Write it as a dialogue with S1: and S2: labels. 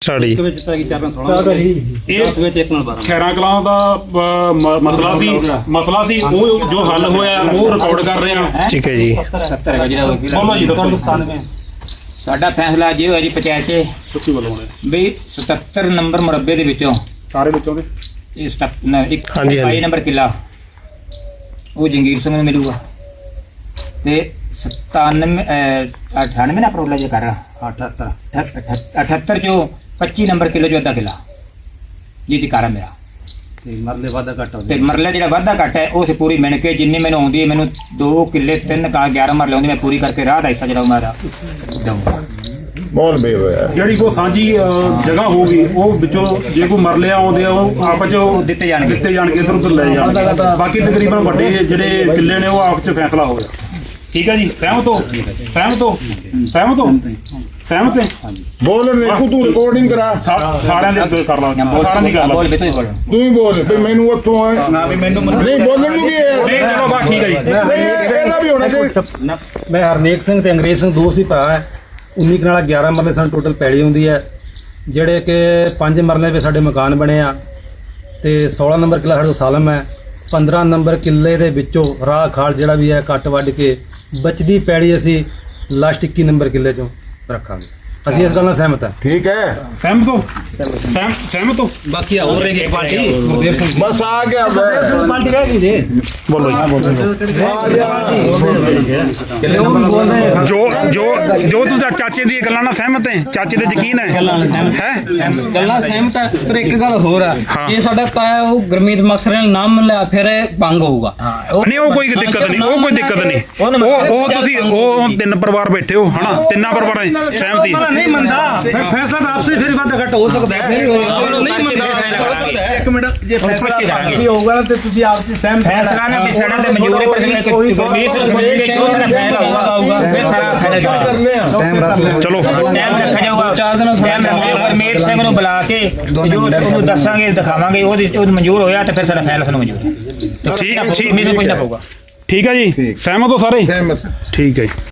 S1: Start ਜੀ।
S2: ਵਿੱਚ ਪੈ ਗਈ 4-16
S3: ਇਹ
S2: 10 ਵਿੱਚ 1 ਨਾਲ 12
S3: ਖੈਰਾਂ ਕਲਾਂ ਦਾ ਮਸਲਾ ਸੀ ਉਹ ਜੋ ਹੱਲ ਹੋਇਆ ਉਹ ਰਿਕਾਰਡ ਕਰ ਰਹੇ ਹਾਂ।
S1: ਠੀਕ ਹੈ ਜੀ।
S2: 70 ਹੈਗਾ ਜਿਹੜਾ
S3: ਬੋਲੋ ਜੀ, ਦੱਸੋ।
S2: ਸਾਡਾ ਫੈਸਲਾ ਜੇ ਹੋਇਆ ਜੀ ਪੰਚਾਇਤ 'ਚ
S3: ਤੁਸੀਂ ਬੋਲੋ ਹੁਣ
S2: ਵੀ 77 ਨੰਬਰ ਮੁਰੱਬੇ ਦੇ ਵਿੱਚੋਂ
S3: ਸਾਰੇ ਵਿੱਚੋਂ ਦੇ
S2: ਇਹ ਇੱਕ
S1: ਹਾਂਜੀ, ਹਾਂਜੀ।
S2: 22 ਨੰਬਰ ਕਿੱਲਾ ਉਹ ਜੰਗੀਰ ਸਿੰਘ ਨੂੰ ਮਿਲੂਗਾ ਤੇ 98 ਨਾ ਪ੍ਰੋਬਲਮ ਜੇ ਕਰ 78 ਚੋਂ 25 ਨੰਬਰ ਕਿੱਲੇ ਚੋਂ ਅੱਧਾ ਕਿੱਲਾ ਜੀ ਦੀ ਕਾਰਾ ਮੇਰਾ
S4: ਤੇ ਮਰਲੇ ਵਾਦਾ ਘੱਟ ਹੋ
S2: ਤੇ ਮਰਲੇ ਜਿਹੜਾ ਵਾਧਾ ਘੱਟ ਹੈ ਉਹ ਸੇ ਪੂਰੀ ਮਿਣ ਕੇ ਜਿੰਨੀ ਮੈਨੂੰ ਆਉਂਦੀ ਹੈ ਮੈਨੂੰ 2 ਕਿੱਲੇ 3 ਕਾ 11 ਮਰਲੇ ਆਉਂਦੀ ਮੈਂ ਪੂਰੀ ਕਰਕੇ ਰਾਹ ਦਾ ਹਿੱਸਾ ਜਿਹੜਾ ਮੇਰਾ ਦਊਂਗਾ।
S5: ਬਹੁਤ ਬੇਵਿਆ
S3: ਜਿਹੜੀ ਕੋ ਸਾਂਝੀ ਜਗ੍ਹਾ ਹੋਊਗੀ ਉਹ ਵਿੱਚੋਂ ਜੇ ਕੋਈ ਮਰਲੇ ਆਉਂਦੇ ਆ ਉਹ ਆਪਸ ਚ
S2: ਦਿੱਤੇ ਜਾਣਗੇ
S3: ਇੱਧਰ ਉੱਧਰ ਲੈ ਜਾਣਗੇ। ਬਾਕੀ ਤਕਰੀਬਨ ਵੱਡੇ ਜਿਹੜੇ ਕਿੱਲੇ ਨੇ ਉਹ ਆਪਸ ਚ ਫੈਸਲਾ ਹੋ ਗਿਆ। ਠੀਕ ਹੈ ਜੀ, ਸਹਿਮਤ ਹੋ? ਸਹਿਮਤ ਹੈ?
S5: ਬੋਲ ਦੇਖੂ ਤੂੰ ਰਿਕਾਰਡਿੰਗ ਕਰਾ
S3: ਸਾਰਿਆਂ ਦੇ ਕਰ ਲਾ, ਸਾਰਿਆਂ ਦੀ ਗੱਲ
S2: ਬੋਲ ਬੇਤੋਂ ਹੀ ਬੋਲ
S5: ਤੂੰ ਹੀ ਬੋਲ ਵੀ ਮੈਨੂੰ ਉੱਥੋਂ ਆ
S4: ਨਾ ਵੀ ਮੈਨੂੰ
S5: ਨਹੀਂ ਬੋਲਣ ਨੂੰ ਕੀ ਹੈ
S3: ਨਹੀਂ, ਚਲੋ ਬਸ ਠੀਕ ਹੈ ਜੀ।
S5: ਇਹਦਾ ਵੀ ਹੋਣਾ ਚਾਹੀਦਾ।
S4: ਮੈਂ ਹਰਨੇਕ ਸਿੰਘ ਤੇ ਅੰਗਰੇਜ਼ ਸਿੰਘ ਦੋ ਸੀ ਭਰਾ ਹੈ। 19 ਕਨਾਲਾ 11 ਮਰਲੇ ਸਾਨੂੰ ਟੋਟਲ ਪੈਲੀ ਹੁੰਦੀ ਹੈ, ਜਿਹੜੇ ਕਿ 5 ਮਰਲੇ ਵਿੱਚ ਸਾਡੇ ਮਕਾਨ ਬਣੇ ਆ ਤੇ 16 ਨੰਬਰ ਕਿੱਲਾ ਸਾਡੇ ਕੋਲ ਸਾਲਮ ਹੈ। 15 ਨੰਬਰ ਕਿੱਲੇ ਦੇ ਵਿੱਚੋਂ ਰਾਹ ਖਾਲ ਜਿਹੜਾ ਵੀ ਹੈ ਕੱਟ ਵੱਢ ਕੇ ਬਚਦੀ ਪੈੜੀ ਅਸੀਂ ਲਾਸਟ 21 ਨੰਬਰ ਕਿੱਲੇ ਚੋਂ ਰੱਖਾਂਗੇ। ਅਸੀਂ ਇਸ ਗੱਲ ਨਾਲ ਸਹਿਮਤ ਹਾਂ।
S5: ਠੀਕ ਹੈ
S3: ਸਹਿਮਤ ਹੋ?
S4: ਬਾਕੀ ਹੋਰ ਰਹਿ ਗਈ ਪਾਰਟੀ ਗੁਰਦੇਵ ਸਿੰਘ
S5: ਬਸ ਆ ਗਿਆ
S4: ਪਾਰਟੀ ਰਹਿ ਗਈ ਦੇ
S1: ਬੋਲੋ ਜੀ।
S3: ਜੋ ਤੂੰ ਚਾਚੇ ਦੀ ਗੱਲਾਂ ਨਾਲ ਸਹਿਮਤ ਹੈ? ਚਾਚੇ ਤੇ ਯਕੀਨ ਹੈ?
S6: ਗੱਲਾਂ ਸਹਿਮਤ ਹੈ, ਪਰ ਇੱਕ ਗੱਲ ਹੋਰ ਆ, ਇਹ ਸਾਡਾ ਤਾਇਆ ਉਹ ਗੁਰਮੀਤ ਮਕਸਰ ਨੇ ਨਾਮ ਲਿਆ ਫਿਰ ਇਹ ਭੰਗ ਹੋਊਗਾ।
S3: ਨਹੀਂ, ਉਹ ਕੋਈ ਦਿੱਕਤ ਨਹੀਂ। ਉਹ ਤੁਸੀਂ ਉਹ 3 ਪਰਿਵਾਰ ਬੈਠੇ ਹੋ ਹਨਾ, 3 ਪਰਿਵਾਰਾਂ ਦੀ ਸਹਿਮਤੀ
S4: ਨਹੀਂ ਮੰਨਦਾ ਫਿਰ ਫੈਸਲਾ ਤਾਂ ਆਪਸੇ ਫਿਰ ਵਾਧਾ ਘੱਟ ਹੋ ਸਕਦਾ ਹੈ। ਨਹੀਂ ਮੰਨਦਾ ਇੱਕ ਮਿੰਟ ਜੇ ਫੈਸਲਾ ਵੀ ਹੋਊਗਾ ਤੇ ਤੁਸੀਂ ਆਪ ਚ ਸਹਿਮਤ
S2: ਫੈਸਲਾ ਨਾ ਬਿਸੜਾ ਤੇ ਮਨਜ਼ੂਰ ਹੈ, ਪਰ ਗੁਰਮੀਤ ਨੂੰ ਪੁੱਛ ਕੇ ਕਿਉਂ ਸਾਰਾ ਫੈਸਲਾ ਹੋਊਗਾ ਫਿਰ ਸਾਰਾ ਫੈਸਲਾ
S5: ਕਰਨੇ ਆ
S3: ਚਲੋ
S2: ਟਾਈਮ ਰੱਖਿਆ ਜਾਊਗਾ। 4 ਦਿਨ ਟਾਈਮ ਰੱਖਿਆ ਜਾਊਗਾ। ਮੇਰ ਸਿੰਘ ਨੂੰ ਬੁਲਾ ਕੇ ਜੋ ਉਹਨੂੰ ਦੱਸਾਂਗੇ ਦਿਖਾਵਾਂਗੇ ਉਹ ਮਨਜ਼ੂਰ ਹੋਇਆ ਤੇ ਫਿਰ ਸਾਡਾ ਫੈਸਲਾ ਨੂੰ ਮਨਜ਼ੂਰ ਹੈ।
S3: ਠੀਕ ਮੈਨੂੰ ਪੁੱਛਣਾ ਪਊਗਾ। ਠੀਕ ਹੈ ਜੀ, ਸਹਿਮਤ ਹੋ ਸਾਰੇ?
S5: ਸਹਿਮਤ।
S3: ਠੀਕ ਹੈ ਜੀ।